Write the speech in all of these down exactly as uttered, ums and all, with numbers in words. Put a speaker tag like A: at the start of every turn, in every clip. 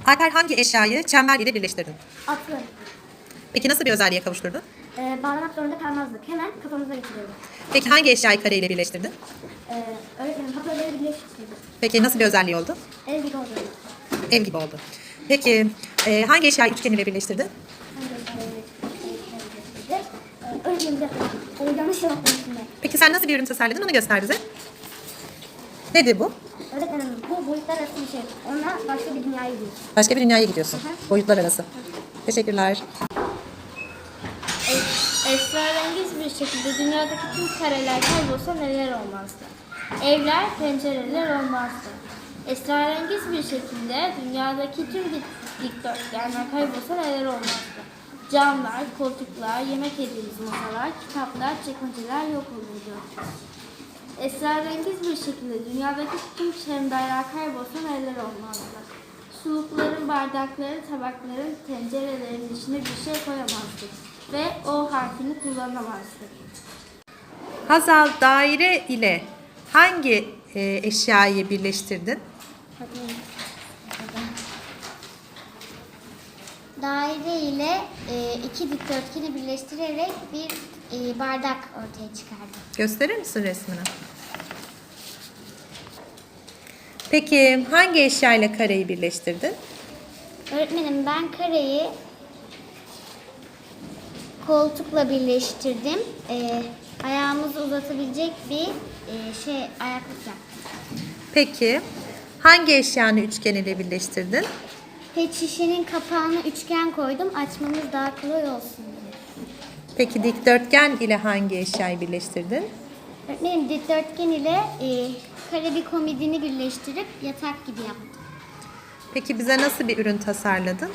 A: Alper hangi eşyayı çember ile birleştirdin?
B: Atlı.
A: Peki nasıl bir özelliğe kavuşturdun?
B: Ee, bağlamak zorunda kalmazdık. Hemen kafamıza geçiriyorduk.
A: Peki hangi eşyayı kare ile birleştirdin?
B: Ee, öğretmenim hoparlörleri birleştirdik.
A: Peki nasıl bir özelliği oldu?
B: Ev gibi oldu.
A: Ev gibi oldu. Peki e, hangi eşyayı üçgen ile birleştirdin?
B: Ee, öğretmenim bir dakika. Ee, yanlış yaptım şimdi.
A: Peki sen nasıl bir ürün tasarladın onu göster bize. Nedir bu?
B: Öğretmenim bu boyutlar arası bir şey. Onunla başka bir dünyaya gidiyoruz.
A: Başka bir dünyaya gidiyorsun.
B: Hı hı.
A: Boyutlar arası. Teşekkürler.
C: Esrarengiz bir şekilde dünyadaki tüm kareler kaybolsa neler olmazdı? Evler, pencereler olmazdı. Esrarengiz bir şekilde dünyadaki tüm dik- dikdörtgenler kaybolsa neler olmazdı? Camlar, koltuklar, yemek yediğimiz masalar, kitaplar, çekmeceler yok olurdu. Esrarengiz bir şekilde dünyadaki tüm çemberler kaybolsa neler olmazdı? Sulukların, bardakların, tabakların, tencerelerin içine bir şey koyamazdık ve O harfini kullanamazdık.
A: Hazal daire ile hangi e, eşyayı birleştirdin?
D: Daire ile e, iki dikdörtgeni birleştirerek bir e, bardak ortaya çıkardım.
A: Gösterir misin resmini? Peki hangi eşyayla kareyi birleştirdin?
D: Öğretmenim ben kareyi koltukla birleştirdim. E, ayağımızı uzatabilecek bir e, şey ayaklık yaptım.
A: Peki hangi eşyanı üçgen ile birleştirdin?
D: Pet şişenin kapağına üçgen koydum. Açmamız daha kolay olsun diye.
A: Peki dikdörtgen ile hangi eşyayı birleştirdin?
D: Öğretmenim dikdörtgen ile e, kare bir komodini birleştirip yatak gibi yaptım.
A: Peki bize nasıl bir ürün tasarladın?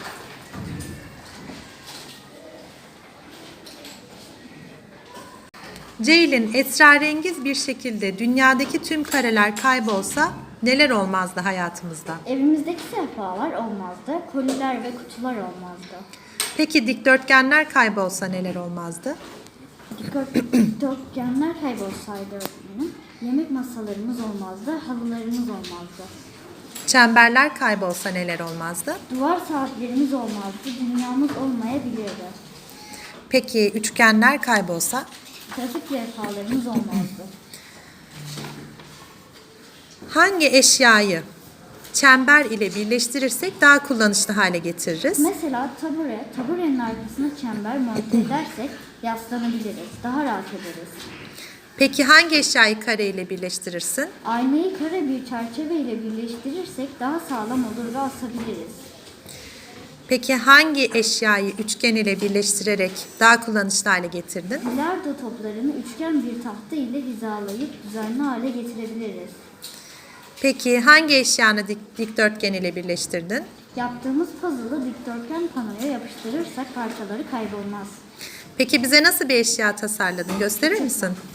A: Ceylin, esrarengiz bir şekilde dünyadaki tüm kareler kaybolsa neler olmazdı hayatımızda?
C: Evimizdeki sehpalar olmazdı, koliler ve kutular olmazdı.
A: Peki dikdörtgenler kaybolsa neler olmazdı?
C: Dikdörtgenler kaybolsaydı öğretmenim, yemek masalarımız olmazdı, halılarımız olmazdı.
A: Çemberler kaybolsa neler olmazdı?
C: Duvar saatlerimiz olmazdı, dünyamız olmayabilirdi.
A: Peki üçgenler kaybolsa?
C: Trafik levhalarımız olmazdı.
A: Hangi eşyayı çember ile birleştirirsek daha kullanışlı hale getiririz?
C: Mesela tabure, taburenin arkasına çember monte edersek yaslanabiliriz, daha rahat ederiz.
A: Peki hangi eşyayı kare ile birleştirirsin?
C: Aynayı kare bir çerçeve ile birleştirirsek daha sağlam olur ve asabiliriz.
A: Peki hangi eşyayı üçgen ile birleştirerek daha kullanışlı hale getirdin?
C: Bilardo toplarını üçgen bir tahta ile hizalayıp düzenli hale getirebiliriz.
A: Peki hangi eşyanı dik- dikdörtgen ile birleştirdin?
C: Yaptığımız puzzle'ı dikdörtgen panoya yapıştırırsak parçaları kaybolmaz.
A: Peki bize nasıl bir eşya tasarladın? Gösterir misin?